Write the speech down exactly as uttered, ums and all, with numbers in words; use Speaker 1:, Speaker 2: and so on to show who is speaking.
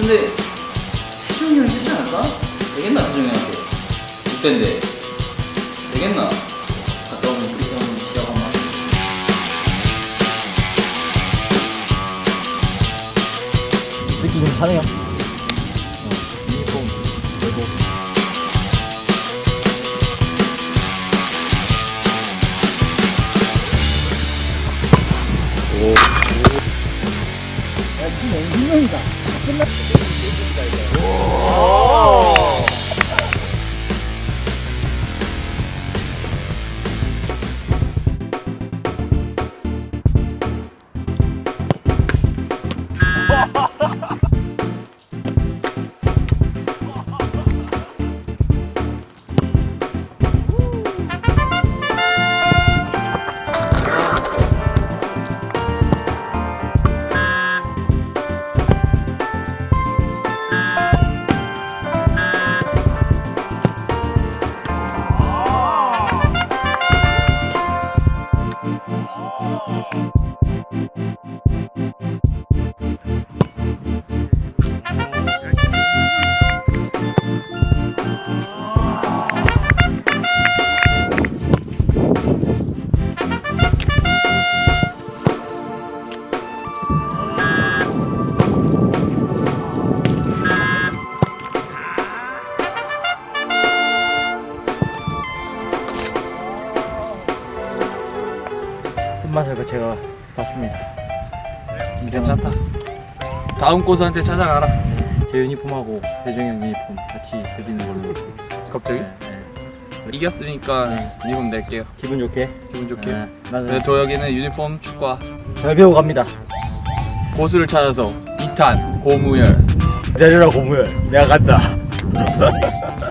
Speaker 1: 근데 세종이 형이 차지 않을까? 되겠나 세종이 형한테? 육 대인데 되겠나? 갔다 오면 그렇게 한번 시작 한번.
Speaker 2: 느낌 좀 사네요. 어, 유니폼 그리고 오. 오. 야, 팀 앵기명이다. 끝났어. 오. 쓴맛을 그 제가 봤습니다.
Speaker 3: 괜찮다. 다음 고수한테 찾아가라.
Speaker 2: 제 유니폼하고 세종이 형 유니폼 같이 드리는 걸로.
Speaker 3: 갑자기?
Speaker 2: 네, 네.
Speaker 3: 이겼으니까
Speaker 2: 네.
Speaker 3: 유니폼 낼게요.
Speaker 2: 기분 좋게.
Speaker 3: 기분 좋게.
Speaker 2: 네, 나는
Speaker 3: 네, 도혁이는 유니폼 축구화.
Speaker 2: 잘 배우고 갑니다.
Speaker 3: 고수를 찾아서 이 탄 고무열.
Speaker 2: 기다려라 고무열. 내가 간다.